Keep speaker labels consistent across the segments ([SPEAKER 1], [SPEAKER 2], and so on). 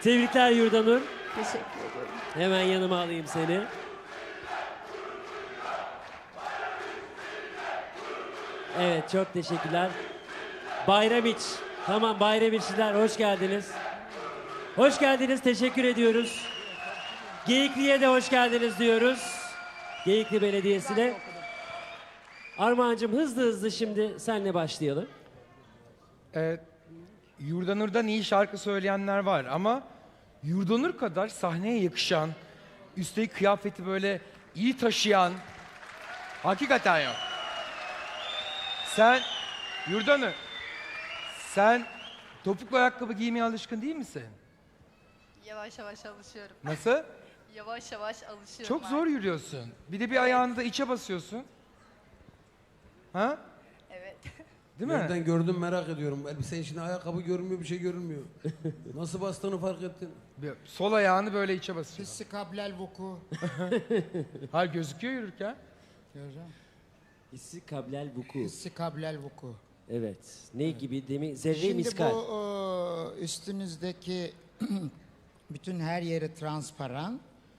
[SPEAKER 1] Tebrikler Yurdanur.
[SPEAKER 2] Teşekkür ediyorum.
[SPEAKER 1] Hemen yanıma alayım seni. Evet, çok teşekkürler. Bayramiç. Tamam, Bayramiçliler hoş geldiniz. Hoş geldiniz, teşekkür ediyoruz. Geyikli'ye de hoş geldiniz diyoruz. Geyikli Belediyesi'ne. Armağan'cığım hızlı şimdi senle başlayalım.
[SPEAKER 3] Yurdanur'dan iyi şarkı söyleyenler var ama Yurdanur kadar sahneye yakışan, üstelik kıyafeti böyle iyi taşıyan hakikaten yok. Yurdanur, sen topuklu ayakkabı giymeye alışkın değil misin?
[SPEAKER 2] Yavaş yavaş alışıyorum.
[SPEAKER 3] Nasıl?
[SPEAKER 2] Yavaş yavaş alışıyorum.
[SPEAKER 3] Çok zor yürüyorsun. Bir de bir ayağını da içe basıyorsun. Ha?
[SPEAKER 2] Evet.
[SPEAKER 3] Değil mi?
[SPEAKER 4] Nereden gördüm merak ediyorum. Elbise içinde ayakkabı görünmüyor, bir şey görünmüyor. Nasıl bastığını fark ettin?
[SPEAKER 3] Sol ayağını böyle içe basıyor.
[SPEAKER 5] Hissi kablel vuku.
[SPEAKER 3] Hayır, gözüküyor yürürken.
[SPEAKER 5] Göreceğim.
[SPEAKER 1] Hissi kablel vuku.
[SPEAKER 5] Hissi kablel vuku.
[SPEAKER 1] Evet. Ne gibi demin? Zerre
[SPEAKER 5] Şimdi
[SPEAKER 1] miskal.
[SPEAKER 5] bu üstünüzdeki bütün her yeri transparan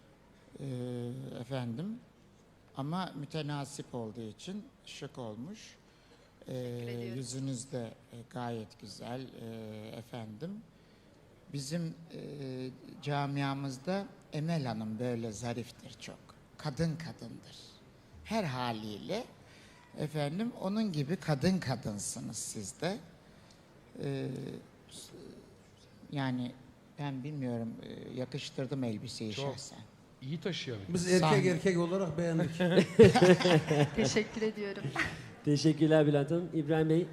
[SPEAKER 5] efendim ama mütenasip olduğu için şık olmuş. Yüzünüz de gayet güzel efendim. Bizim camiamızda Emel Hanım böyle zariftir çok. Kadın kadındır. Her haliyle efendim onun gibi kadın kadınsınız siz de. Yani ben bilmiyorum yakıştırdım elbiseyi
[SPEAKER 3] Çok.
[SPEAKER 5] şahsen.
[SPEAKER 3] İyi taşıyor.
[SPEAKER 4] Biz erkek
[SPEAKER 5] Sahne.
[SPEAKER 4] erkek olarak beğendik.
[SPEAKER 2] Teşekkür ediyorum.
[SPEAKER 1] Teşekkürler Bülent Hanım. İbrahim Bey.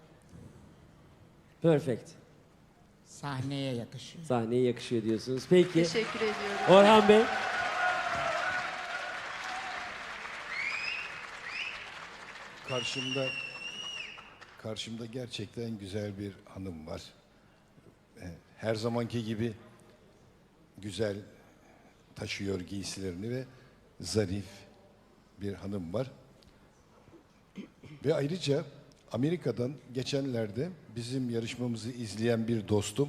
[SPEAKER 1] Perfect.
[SPEAKER 5] Sahneye yakışıyor.
[SPEAKER 1] Sahneye yakışıyor diyorsunuz. Peki.
[SPEAKER 2] Teşekkür ediyorum.
[SPEAKER 1] Orhan Bey.
[SPEAKER 6] Karşımda gerçekten güzel bir hanım var. Her zamanki gibi güzel taşıyor giysilerini ve zarif bir hanım var. Ve ayrıca Amerika'dan geçenlerde bizim yarışmamızı izleyen bir dostum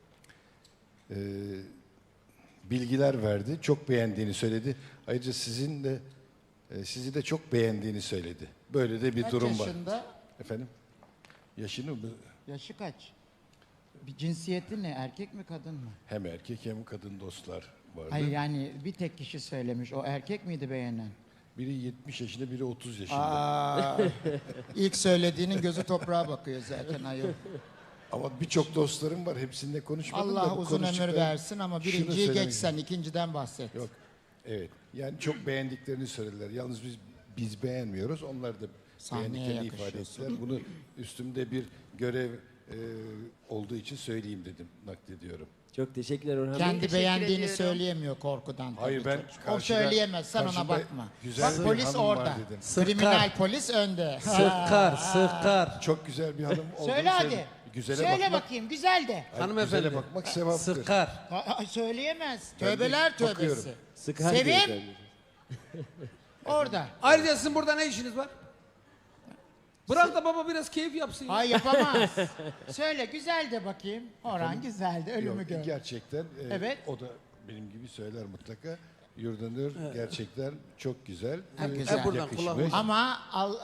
[SPEAKER 6] bilgiler verdi. Çok beğendiğini söyledi. Ayrıca sizi de çok beğendiğini söyledi. Böyle de bir
[SPEAKER 5] Kaç
[SPEAKER 6] durum var.
[SPEAKER 5] yaşında?
[SPEAKER 6] Efendim? Yaşını mı?
[SPEAKER 5] Yaşı kaç? Bir cinsiyeti ne? Erkek mi kadın mı?
[SPEAKER 6] Hem erkek hem kadın dostlar vardı.
[SPEAKER 5] Hayır yani bir tek kişi söylemiş. O erkek miydi beğenen?
[SPEAKER 6] Biri 70 yaşında, biri 30 yaşında.
[SPEAKER 5] Aa, ilk söylediğinin gözü toprağa bakıyor zaten ayol.
[SPEAKER 6] Ama birçok dostlarım var. Hepsininle konuşmadım da
[SPEAKER 5] Allah
[SPEAKER 6] bu
[SPEAKER 5] uzun ömür
[SPEAKER 6] konuştuklarım-
[SPEAKER 5] versin ama
[SPEAKER 6] Şunu
[SPEAKER 5] birinciyi
[SPEAKER 6] söylemek
[SPEAKER 5] geçsen ikinciden bahset.
[SPEAKER 6] Yok. Evet. Yani çok beğendiklerini söylediler. Yalnız biz beğenmiyoruz. Onlar da
[SPEAKER 5] Sahneye
[SPEAKER 6] beğendiklerini ifade
[SPEAKER 5] yakışıyorsun.
[SPEAKER 6] ettiler. Bunu üstümde bir görev olduğu için söyleyeyim dedim. Naklediyorum.
[SPEAKER 1] Çok teşekkürler Orhan Bey.
[SPEAKER 5] Kendi
[SPEAKER 2] Teşekkür
[SPEAKER 5] beğendiğini
[SPEAKER 2] ediyorum.
[SPEAKER 5] söyleyemiyor korkudan.
[SPEAKER 6] Hayır,
[SPEAKER 5] tabii
[SPEAKER 6] ben
[SPEAKER 5] çocuk. O
[SPEAKER 6] karşıda-
[SPEAKER 5] söyleyemez sen ona
[SPEAKER 6] karşımda
[SPEAKER 5] bakma.
[SPEAKER 6] güzel
[SPEAKER 5] Bak
[SPEAKER 6] bir
[SPEAKER 5] polis
[SPEAKER 6] hanım var
[SPEAKER 5] orada.
[SPEAKER 6] dedim.
[SPEAKER 5] Kriminal polis önde.
[SPEAKER 4] Sıkkar, sıkkar.
[SPEAKER 6] Çok güzel bir hanım olduğunu
[SPEAKER 5] Söyle hadi.
[SPEAKER 6] söyle- Güzele
[SPEAKER 5] Söyle
[SPEAKER 6] bakmak,
[SPEAKER 5] bakayım güzel de.
[SPEAKER 4] Hanımefendi.
[SPEAKER 6] Güzele bakmak sevaptır.
[SPEAKER 4] Sıkkar.
[SPEAKER 5] Söyleyemez.
[SPEAKER 6] Ben de
[SPEAKER 5] Tövbeler
[SPEAKER 6] bakıyorum.
[SPEAKER 5] tövbesi.
[SPEAKER 1] Sıkar diyor
[SPEAKER 5] Sevim
[SPEAKER 1] efendim.
[SPEAKER 5] orada.
[SPEAKER 4] Ayrıca sizin burada ne işiniz var? Bırak da baba biraz keyif yapsın. ya.
[SPEAKER 5] Ay yapamaz. Söyle güzel de bakayım. Orhan güzel de ölümü
[SPEAKER 6] Yok,
[SPEAKER 5] gör.
[SPEAKER 6] gerçekten
[SPEAKER 5] Evet.
[SPEAKER 6] o da benim gibi söyler mutlaka. Yurdanur gerçekten çok güzel.
[SPEAKER 5] Ha, güzel.
[SPEAKER 4] Hep buradan
[SPEAKER 6] Yakışmış.
[SPEAKER 4] kulağım.
[SPEAKER 5] Ama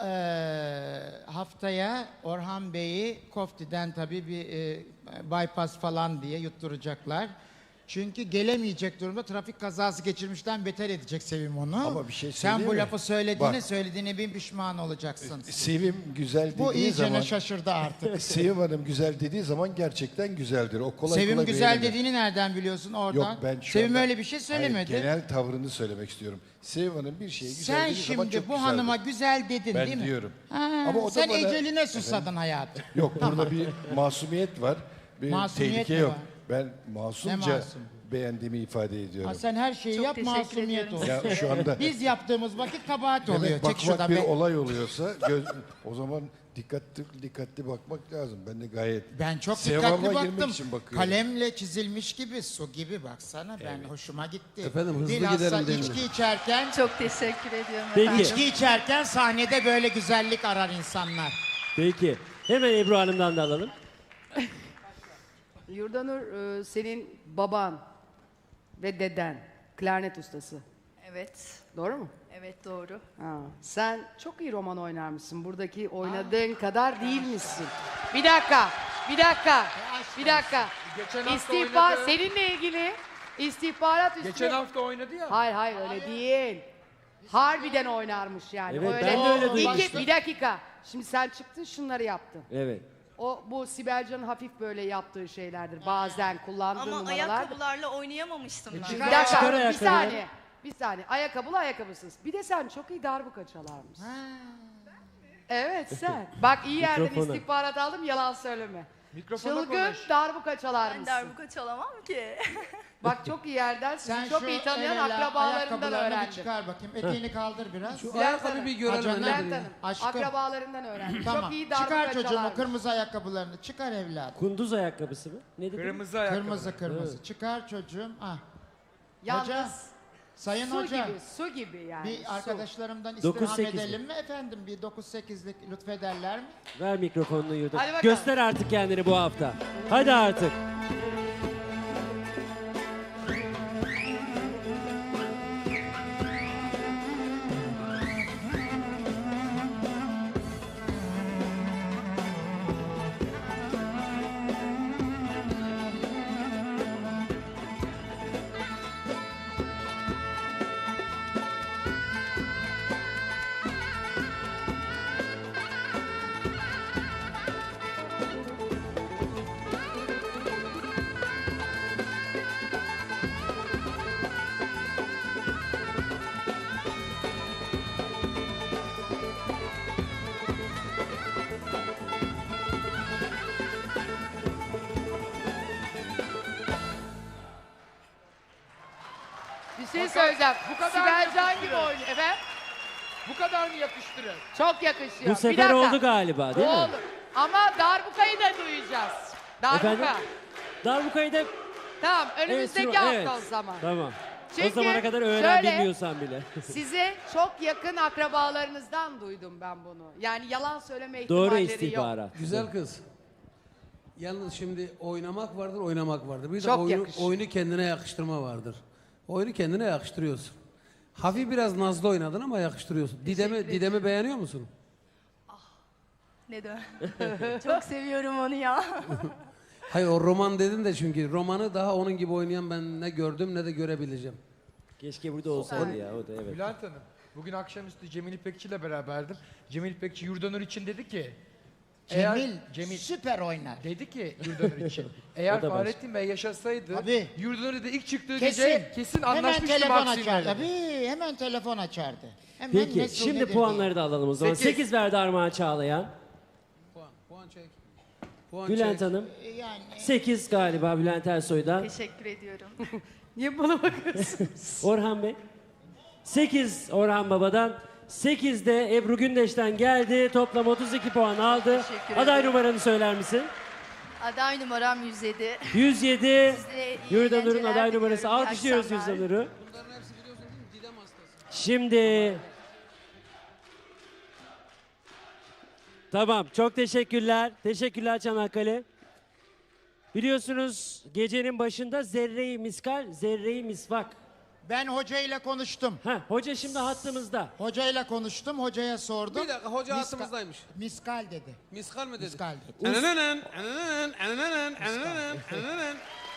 [SPEAKER 5] haftaya Orhan Bey'i Kofti'den tabii bir bypass falan diye yutturacaklar. Çünkü gelemeyecek durumda trafik kazası geçirmişten beter edecek Sevim onu.
[SPEAKER 6] Ama bir şey
[SPEAKER 5] Sen bu
[SPEAKER 6] söyleyeyim mi?
[SPEAKER 5] lafı
[SPEAKER 6] Bak.
[SPEAKER 5] söylediğine bin pişman olacaksın.
[SPEAKER 6] Sevim güzel
[SPEAKER 5] Bu
[SPEAKER 6] dediği
[SPEAKER 5] iyicene
[SPEAKER 6] zaman,
[SPEAKER 5] şaşırdı artık.
[SPEAKER 6] Sevim Hanım güzel dediği zaman gerçekten güzeldir. O kolay
[SPEAKER 5] Sevim
[SPEAKER 6] kolay
[SPEAKER 5] güzel
[SPEAKER 6] beğenilir.
[SPEAKER 5] dediğini nereden biliyorsun oradan?
[SPEAKER 6] Yok, ben şu
[SPEAKER 5] Sevim
[SPEAKER 6] anda-
[SPEAKER 5] öyle bir şey söylemedi.
[SPEAKER 6] Hayır, genel tavrını söylemek istiyorum. Sevim Hanım bir şeye güzel
[SPEAKER 5] Sen
[SPEAKER 6] dediği zaman
[SPEAKER 5] şimdi
[SPEAKER 6] çok
[SPEAKER 5] bu
[SPEAKER 6] güzeldir.
[SPEAKER 5] hanıma güzel dedin
[SPEAKER 6] Ben
[SPEAKER 5] değil mi?
[SPEAKER 6] diyorum.
[SPEAKER 5] Ha,
[SPEAKER 6] Ama o da
[SPEAKER 5] sen
[SPEAKER 6] bana-
[SPEAKER 5] eceline susadın hayatım.
[SPEAKER 6] Yok, burada bir masumiyet var. Bir
[SPEAKER 5] Masumiyet
[SPEAKER 6] tehlike
[SPEAKER 5] mi
[SPEAKER 6] yok.
[SPEAKER 5] var?
[SPEAKER 6] Ben masumca
[SPEAKER 5] masum?
[SPEAKER 6] beğendiğimi ifade ediyorum.
[SPEAKER 5] Ha, sen her şeyi
[SPEAKER 2] Çok
[SPEAKER 5] yap
[SPEAKER 2] teşekkür
[SPEAKER 5] masumiyet
[SPEAKER 2] ediyorum.
[SPEAKER 5] olsun.
[SPEAKER 6] Ya şu anda
[SPEAKER 5] Biz yaptığımız vakit kabahat oluyor.
[SPEAKER 6] demek
[SPEAKER 5] Çek
[SPEAKER 6] bakmak
[SPEAKER 5] şuradan
[SPEAKER 6] bir
[SPEAKER 5] be.
[SPEAKER 6] olay oluyorsa o zaman dikkatli bakmak lazım. Ben de gayet
[SPEAKER 5] Ben çok
[SPEAKER 6] sevaba
[SPEAKER 5] dikkatli
[SPEAKER 6] girmek
[SPEAKER 5] baktım.
[SPEAKER 6] için bakıyorum.
[SPEAKER 5] Kalemle çizilmiş gibi, su gibi baksana. Ben hoşuma gitti.
[SPEAKER 4] Efendim, hızlı
[SPEAKER 5] Bilhassa
[SPEAKER 4] gidelim değil mi?
[SPEAKER 5] içki içerken,
[SPEAKER 2] Çok teşekkür ediyorum
[SPEAKER 1] Peki.
[SPEAKER 2] efendim.
[SPEAKER 5] içki içerken sahnede böyle güzellik arar insanlar.
[SPEAKER 1] Peki. Hemen Ebru Hanım'dan da alalım.
[SPEAKER 7] Yurdanur, senin baban ve deden klarnet ustası.
[SPEAKER 2] Evet.
[SPEAKER 7] Doğru mu?
[SPEAKER 2] Evet doğru.
[SPEAKER 7] Ha, sen çok iyi roman oynarmışsın. Buradaki oynadığın kadar değil misin? Bir dakika, bir dakika, bir dakika.
[SPEAKER 3] Geçen hafta
[SPEAKER 7] İstihbar,
[SPEAKER 3] oynadı.
[SPEAKER 7] seninle ilgili istihbarat üstüne...
[SPEAKER 3] Geçen hafta oynadı ya.
[SPEAKER 7] Hayır hayır öyle değil. Harbiden oynarmış yani.
[SPEAKER 1] Evet,
[SPEAKER 7] öyle.
[SPEAKER 1] ben de öyle
[SPEAKER 7] İki,
[SPEAKER 1] duymuştum.
[SPEAKER 7] bir dakika. Şimdi sen çıktın şunları yaptın.
[SPEAKER 1] Evet.
[SPEAKER 7] O bu Sibel Can'ın hafif böyle yaptığı şeylerdir. Bazen kullandığı
[SPEAKER 8] Ama
[SPEAKER 7] numaralardır.
[SPEAKER 8] ayakkabılarla oynayamamıştım ben.
[SPEAKER 7] Bir
[SPEAKER 1] Çıkar
[SPEAKER 7] dakika, bir
[SPEAKER 1] ayakkabıları.
[SPEAKER 7] saniye. Bir saniye. Ayakkabılı ayakkabısız. Bir de sen çok iyi darbuka çalarmışsın. Evet sen. Bak iyi yerden
[SPEAKER 1] Mikrofona.
[SPEAKER 7] istihbarat aldım yalan söyleme.
[SPEAKER 3] Mikrofona
[SPEAKER 7] Çılgın
[SPEAKER 3] konuş.
[SPEAKER 7] darbuka
[SPEAKER 8] Ben
[SPEAKER 7] çalarmışsın.
[SPEAKER 8] darbuka çalamam ki.
[SPEAKER 7] Bak çok iyi yerden sizi
[SPEAKER 5] Sen
[SPEAKER 7] çok
[SPEAKER 5] şu
[SPEAKER 7] iyi tanıyan
[SPEAKER 5] el ele
[SPEAKER 7] akrabalarından
[SPEAKER 5] ayakkabılarını bir
[SPEAKER 7] öğrendim.
[SPEAKER 5] çıkar bakayım. Eteğini kaldır biraz.
[SPEAKER 4] Şu
[SPEAKER 7] Bülent
[SPEAKER 4] ayakkabı
[SPEAKER 7] Hanım.
[SPEAKER 4] bir görelim.
[SPEAKER 5] Acanım.
[SPEAKER 4] nedir
[SPEAKER 7] Bülent
[SPEAKER 4] ya?
[SPEAKER 7] Hanım,
[SPEAKER 5] Aşkım.
[SPEAKER 7] akrabalarından öğrendim.
[SPEAKER 5] Tamam.
[SPEAKER 7] Çok iyi darbuka
[SPEAKER 5] Çıkar çocuğum o
[SPEAKER 7] çalarmış.
[SPEAKER 5] kırmızı ayakkabılarını. Çıkar evladım.
[SPEAKER 1] Kunduz ayakkabısı mı? Ne dedin?
[SPEAKER 3] Kırmızı ayakkabı.
[SPEAKER 5] Kırmızı. Çıkar çocuğum. Ah.
[SPEAKER 7] Yalnız
[SPEAKER 5] Hoca, Sayın
[SPEAKER 7] su
[SPEAKER 5] hoca.
[SPEAKER 7] gibi, su gibi yani.
[SPEAKER 5] Bir
[SPEAKER 7] su.
[SPEAKER 5] arkadaşlarımdan
[SPEAKER 1] 9-8
[SPEAKER 5] istirham
[SPEAKER 1] mi?
[SPEAKER 5] edelim mi efendim? Bir 9-8'lik lütfederler mi?
[SPEAKER 1] Ver mikrofonunu Yurdanur.
[SPEAKER 7] Hadi bakalım.
[SPEAKER 1] Göster artık kendini bu hafta. Hadi artık.
[SPEAKER 7] Bir şey söyleyeceğim.
[SPEAKER 3] bu kadar
[SPEAKER 7] Sibel Can
[SPEAKER 3] yakıştırır.
[SPEAKER 7] gibi oynuyor. Efendim?
[SPEAKER 3] Bu kadar mı yakıştırır?
[SPEAKER 7] Çok yakışıyor.
[SPEAKER 1] Bu sefer
[SPEAKER 7] Bir dakika.
[SPEAKER 1] oldu galiba değil
[SPEAKER 7] Bu
[SPEAKER 1] mi?
[SPEAKER 7] olur. Ama darbukayı da duyacağız. Darbuka.
[SPEAKER 1] Efendim? Darbukayı da...
[SPEAKER 7] Tamam önümüzdeki hafta
[SPEAKER 1] evet.
[SPEAKER 7] o zaman.
[SPEAKER 1] Tamam.
[SPEAKER 7] Çünkü
[SPEAKER 1] o zamana kadar öğren
[SPEAKER 7] şöyle-
[SPEAKER 1] bilmiyorsan bile.
[SPEAKER 7] Size çok yakın akrabalarınızdan duydum ben bunu. Yani yalan söyleme
[SPEAKER 1] Doğru
[SPEAKER 7] ihtimalleri yok.
[SPEAKER 1] istihbarat.
[SPEAKER 4] Güzel kız. Yalnız şimdi oynamak vardır, oynamak vardır. Bir de
[SPEAKER 7] Çok yakışır.
[SPEAKER 4] oyunu kendine yakıştırma vardır. Oyunu kendine yakıştırıyorsun. Hafif biraz nazlı oynadın ama yakıştırıyorsun. Didem'i beğeniyor musun?
[SPEAKER 8] Ne de. Çok seviyorum onu ya.
[SPEAKER 4] Hayır o roman dedin de çünkü romanı daha onun gibi oynayan ben ne gördüm ne de görebileceğim.
[SPEAKER 1] Keşke burada olsaydı ya o da evet.
[SPEAKER 3] Bülent Hanım, bugün akşamüstü Cemil İpekçi ile beraberdim. Cemil İpekçi Yurdanur için dedi ki...
[SPEAKER 5] Cemil süper oynar.
[SPEAKER 3] Dedi ki Yurdanur için, eğer
[SPEAKER 1] O da
[SPEAKER 3] Fahrettin Bey yaşasaydı,
[SPEAKER 5] Tabii.
[SPEAKER 3] Yurdanur dedi ilk çıktığı
[SPEAKER 5] Kesin.
[SPEAKER 3] gece kesin
[SPEAKER 5] Hemen
[SPEAKER 3] anlaşmıştı
[SPEAKER 5] telefon
[SPEAKER 3] Maksim'le
[SPEAKER 5] açardı.
[SPEAKER 3] dedi.
[SPEAKER 5] Tabii hemen telefon açardı. Hemen
[SPEAKER 1] Peki
[SPEAKER 5] mesul
[SPEAKER 1] şimdi
[SPEAKER 5] nedir
[SPEAKER 1] puanları da alalım o zaman.
[SPEAKER 3] 8.
[SPEAKER 1] 8 verdi Armağan Çağlayan.
[SPEAKER 4] Puan çek. Puan
[SPEAKER 1] Bülent
[SPEAKER 4] çek.
[SPEAKER 1] Hanım.
[SPEAKER 5] diye. Yani
[SPEAKER 1] 8 galiba Bülent Ersoy'dan.
[SPEAKER 2] Teşekkür ediyorum.
[SPEAKER 7] Niye bana bakıyorsun?
[SPEAKER 1] Orhan Bey. 8 Orhan Baba'dan. 8 de Ebru Gündeş'ten geldi. Toplam 32 puan aldı.
[SPEAKER 2] Teşekkür
[SPEAKER 1] Aday
[SPEAKER 2] ederim.
[SPEAKER 1] numaranı söyler misin?
[SPEAKER 2] Aday numaram 107.
[SPEAKER 1] 107.
[SPEAKER 2] iyi
[SPEAKER 1] Yurdanur'un
[SPEAKER 2] eğlenceler
[SPEAKER 1] aday numarası.
[SPEAKER 2] diliyorum. İyi
[SPEAKER 1] Alkışlıyoruz
[SPEAKER 2] akşamlar.
[SPEAKER 1] Yurdanur'u.
[SPEAKER 4] Bunların hepsi biliyorsun değil mi? Didem hastası.
[SPEAKER 1] Şimdi... Tamam. Çok teşekkürler. Teşekkürler Çanakkale. Biliyorsunuz gecenin başında zerre-i miskal, zerre-i misvak.
[SPEAKER 5] ben hocayla konuştum.
[SPEAKER 1] Hoca şimdi hattımızda.
[SPEAKER 5] Hocayla konuştum. Hocaya sordum.
[SPEAKER 4] Bir dakika hoca
[SPEAKER 5] Miska-
[SPEAKER 4] hattımızdaymış.
[SPEAKER 5] Miskal dedi.
[SPEAKER 4] Miskal mı dedi?
[SPEAKER 5] Miskal dedi.
[SPEAKER 4] Enenenen, enenenen, enenenen, enenenen, enenenen.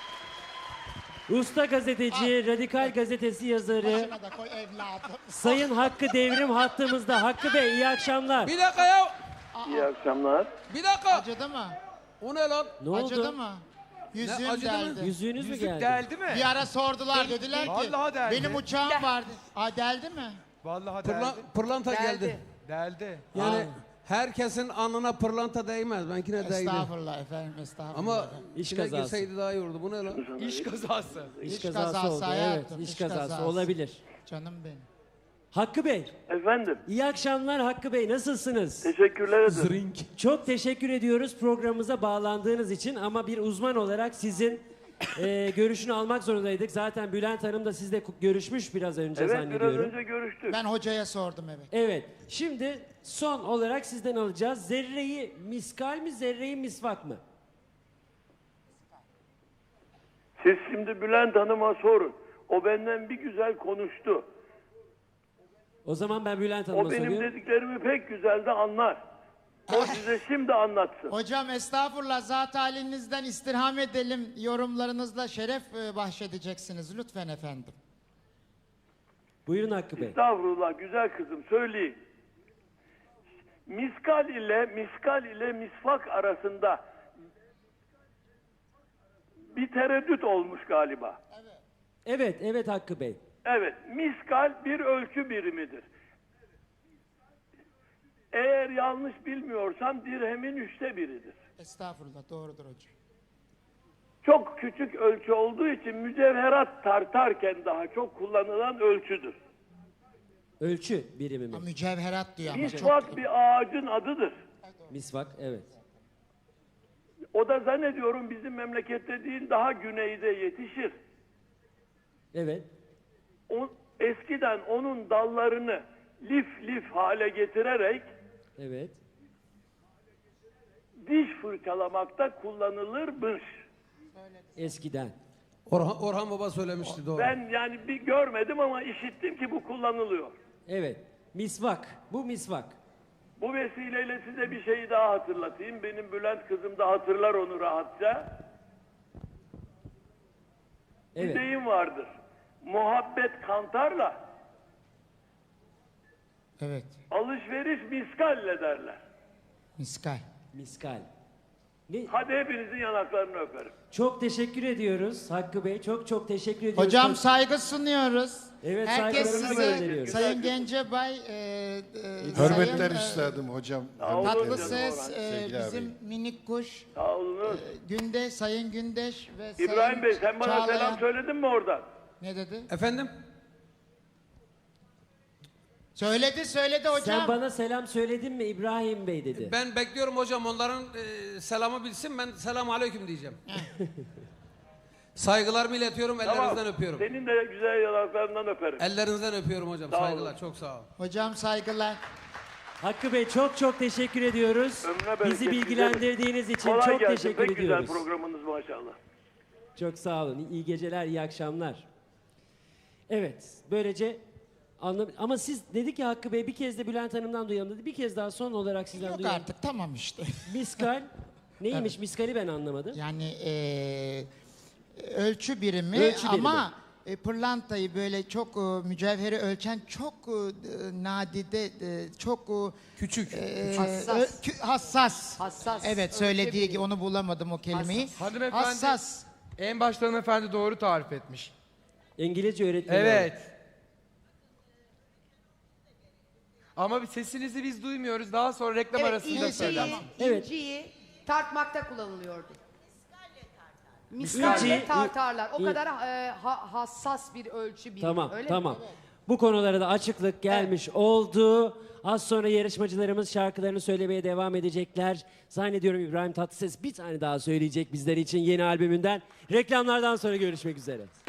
[SPEAKER 1] Usta gazeteci, Radikal Gazetesi yazarı
[SPEAKER 5] Başına da koy evladım.
[SPEAKER 1] Sayın Hakkı Devrim hattımızda. Hakkı Bey iyi akşamlar.
[SPEAKER 4] Bir dakika ya.
[SPEAKER 9] İyi akşamlar.
[SPEAKER 4] Bir dakika.
[SPEAKER 5] Acıdı mı?
[SPEAKER 4] O ne lan?
[SPEAKER 1] Ne
[SPEAKER 5] Acıdı
[SPEAKER 1] oldu?
[SPEAKER 5] mı? Yüzüğüm
[SPEAKER 4] acıdı mı?
[SPEAKER 5] deldi.
[SPEAKER 1] Yüzüğünüz mü
[SPEAKER 3] Yüzük
[SPEAKER 1] geldi?
[SPEAKER 3] deldi mi?
[SPEAKER 5] Bir ara sordular dediler ki
[SPEAKER 3] Vallahi deldi.
[SPEAKER 5] benim uçağım vardı. Aa deldi mi?
[SPEAKER 3] Vallahi deldi.
[SPEAKER 4] Pırlanta geldi.
[SPEAKER 3] Deldi.
[SPEAKER 4] Yani herkesin alnına pırlanta değmez. Benkine değdi.
[SPEAKER 5] Estağfurullah efendim estağfurullah.
[SPEAKER 4] Ama
[SPEAKER 1] İş
[SPEAKER 4] içine
[SPEAKER 1] kazası.
[SPEAKER 4] girseydi daha iyi olurdu. Bu ne lan?
[SPEAKER 3] İş kazası.
[SPEAKER 1] İş
[SPEAKER 5] İş
[SPEAKER 1] kazası
[SPEAKER 5] kazası
[SPEAKER 1] oldu.
[SPEAKER 5] hayatım,
[SPEAKER 1] Evet, iş
[SPEAKER 5] iş
[SPEAKER 1] kazası
[SPEAKER 5] kazası.
[SPEAKER 1] olabilir.
[SPEAKER 5] Canım benim.
[SPEAKER 1] Hakkı Bey,
[SPEAKER 9] Efendim,
[SPEAKER 1] iyi akşamlar Hakkı Bey. Nasılsınız?
[SPEAKER 9] teşekkürler ederim.
[SPEAKER 4] Zrink.
[SPEAKER 1] Çok teşekkür ediyoruz programımıza bağlandığınız için ama bir uzman olarak sizin görüşünü almak zorundaydık. Zaten Bülent Hanım da sizle görüşmüş biraz önce
[SPEAKER 9] Evet, biraz
[SPEAKER 1] zannediyorum.
[SPEAKER 9] önce görüştük.
[SPEAKER 5] Ben hocaya sordum evet.
[SPEAKER 1] Evet. Şimdi son olarak sizden alacağız. Zerreyi miskal mi, zerreyi misvak mı?
[SPEAKER 9] Siz şimdi Bülent Hanım'a sorun. O benden bir güzel konuştu.
[SPEAKER 1] O zaman ben Bülent Hanım'a
[SPEAKER 9] O benim
[SPEAKER 1] soruyorum.
[SPEAKER 9] dediklerimi pek güzel de anlar. O size şimdi anlatsın.
[SPEAKER 5] Hocam estağfurullah, zat halinizden istirham edelim, yorumlarınızla şeref bahşedeceksiniz lütfen efendim.
[SPEAKER 1] Buyurun Hakkı Bey.
[SPEAKER 9] Estağfurullah güzel kızım, söyleyin. Miskal ile misvak arasında bir tereddüt olmuş galiba.
[SPEAKER 1] Evet Hakkı Bey.
[SPEAKER 9] Evet, miskal bir ölçü birimidir. Eğer yanlış bilmiyorsam dirhemin 1/3'üdür.
[SPEAKER 5] Estağfurullah, doğrudur hocam.
[SPEAKER 9] Çok küçük ölçü olduğu için mücevherat tartarken daha çok kullanılan ölçüdür.
[SPEAKER 1] Ölçü birimi mi?
[SPEAKER 5] Mücevherat diyor ama çok...
[SPEAKER 9] Misvak bir ağacın adıdır.
[SPEAKER 1] Misvak, evet.
[SPEAKER 9] O da zannediyorum bizim memlekette değil, daha güneyde yetişir.
[SPEAKER 1] Evet.
[SPEAKER 9] Eskiden onun dallarını lif hale getirerek
[SPEAKER 1] Evet.
[SPEAKER 9] diş fırçalamakta kullanılırmış.
[SPEAKER 1] Eskiden.
[SPEAKER 4] Orhan Baba söylemişti, doğru.
[SPEAKER 9] Ben yani bir görmedim ama işittim ki bu kullanılıyor.
[SPEAKER 1] Evet. Misvak. Bu misvak.
[SPEAKER 9] Bu vesileyle size bir şeyi daha hatırlatayım. Benim Bülent kızım da hatırlar onu rahatça. Bir
[SPEAKER 1] Evet.
[SPEAKER 9] deyim vardır. Muhabbet kantarla,
[SPEAKER 5] Evet,
[SPEAKER 9] alışveriş miskalle derler.
[SPEAKER 5] miskal.
[SPEAKER 1] Miskal. Ne?
[SPEAKER 9] Hadi hepinizin yanaklarını öperim.
[SPEAKER 1] Çok teşekkür ediyoruz Hakkı Bey. Çok teşekkür ediyoruz.
[SPEAKER 5] Hocam saygı sunuyoruz.
[SPEAKER 1] Evet,
[SPEAKER 5] Herkes
[SPEAKER 1] saygılarımızı
[SPEAKER 5] size,
[SPEAKER 1] gönderiyoruz.
[SPEAKER 5] Sayın Gencebay,
[SPEAKER 6] Hürmetler
[SPEAKER 5] Sayın,
[SPEAKER 6] üstadım hocam.
[SPEAKER 9] olun
[SPEAKER 5] Tatlı
[SPEAKER 9] canım
[SPEAKER 5] Ses,
[SPEAKER 9] Orhan.
[SPEAKER 6] Sevgili
[SPEAKER 5] bizim
[SPEAKER 6] abi.
[SPEAKER 5] minik kuş,
[SPEAKER 9] Sağ olunuz.
[SPEAKER 5] Gündeş, Sayın Gündeş ve
[SPEAKER 9] İbrahim
[SPEAKER 5] Sayın
[SPEAKER 9] Bey sen bana
[SPEAKER 5] Çağlayan.
[SPEAKER 9] selam söyledin mi oradan?
[SPEAKER 5] Ne dedi?
[SPEAKER 4] Efendim?
[SPEAKER 5] Söyledi hocam.
[SPEAKER 1] Sen bana selam söyledin mi İbrahim Bey dedi.
[SPEAKER 4] Ben bekliyorum hocam, onların selamı bilsin, ben selamu aleyküm diyeceğim. Saygılarımı iletiyorum, ellerinizden öpüyorum.
[SPEAKER 9] Senin de güzel yanaklarından öperim.
[SPEAKER 4] Ellerinizden öpüyorum hocam,
[SPEAKER 9] Sağ olun.
[SPEAKER 4] saygılar, çok sağ ol.
[SPEAKER 5] Hocam saygılar.
[SPEAKER 1] Hakkı Bey çok teşekkür ediyoruz.
[SPEAKER 9] Ömrüne bereket,
[SPEAKER 1] Bizi bilgilendirdiğiniz için
[SPEAKER 9] Kolay
[SPEAKER 1] çok
[SPEAKER 9] gelsin.
[SPEAKER 1] teşekkür
[SPEAKER 9] Pek
[SPEAKER 1] ediyoruz.
[SPEAKER 9] güzel programınız maşallah.
[SPEAKER 1] Çok sağ olun. İyi geceler, iyi akşamlar. Evet, böylece ama siz dedik ki Hakkı Bey bir kez de Bülent Hanım'dan duyalım dedi. Bir kez daha son olarak sizden
[SPEAKER 5] Yok
[SPEAKER 1] duyalım.
[SPEAKER 5] artık, tamam işte.
[SPEAKER 1] Miskal neymiş? Miskali ben anlamadım.
[SPEAKER 5] Yani ölçü birimi
[SPEAKER 1] Ölçü birimi.
[SPEAKER 5] ama pırlantayı böyle çok mücevheri ölçen çok nadide, çok
[SPEAKER 4] Küçük.
[SPEAKER 7] Hassas.
[SPEAKER 5] hassas.
[SPEAKER 7] Hassas.
[SPEAKER 5] Evet, söylediği gibi onu bulamadım o kelimeyi.
[SPEAKER 3] Hanımefendi
[SPEAKER 5] Hassas.
[SPEAKER 3] en başta hanımefendi doğru tarif etmiş.
[SPEAKER 1] İngilizce öğretmeni.
[SPEAKER 3] Evet. Ama sesinizi biz duymuyoruz. Daha sonra reklam arasında
[SPEAKER 7] inciyi,
[SPEAKER 3] söyler.
[SPEAKER 1] Evet.
[SPEAKER 7] inciyi tartmakta kullanılıyordu.
[SPEAKER 1] İnci-
[SPEAKER 7] Miskalle tartarlar. O
[SPEAKER 1] İn-
[SPEAKER 7] kadar hassas bir ölçü birimi.
[SPEAKER 1] Tamam,
[SPEAKER 7] öyle mi?
[SPEAKER 1] tamam. Bu konulara da açıklık gelmiş oldu. Az sonra yarışmacılarımız şarkılarını söylemeye devam edecekler. Zannediyorum İbrahim Tatlıses bir tane daha söyleyecek bizler için yeni albümünden. Reklamlardan sonra görüşmek üzere.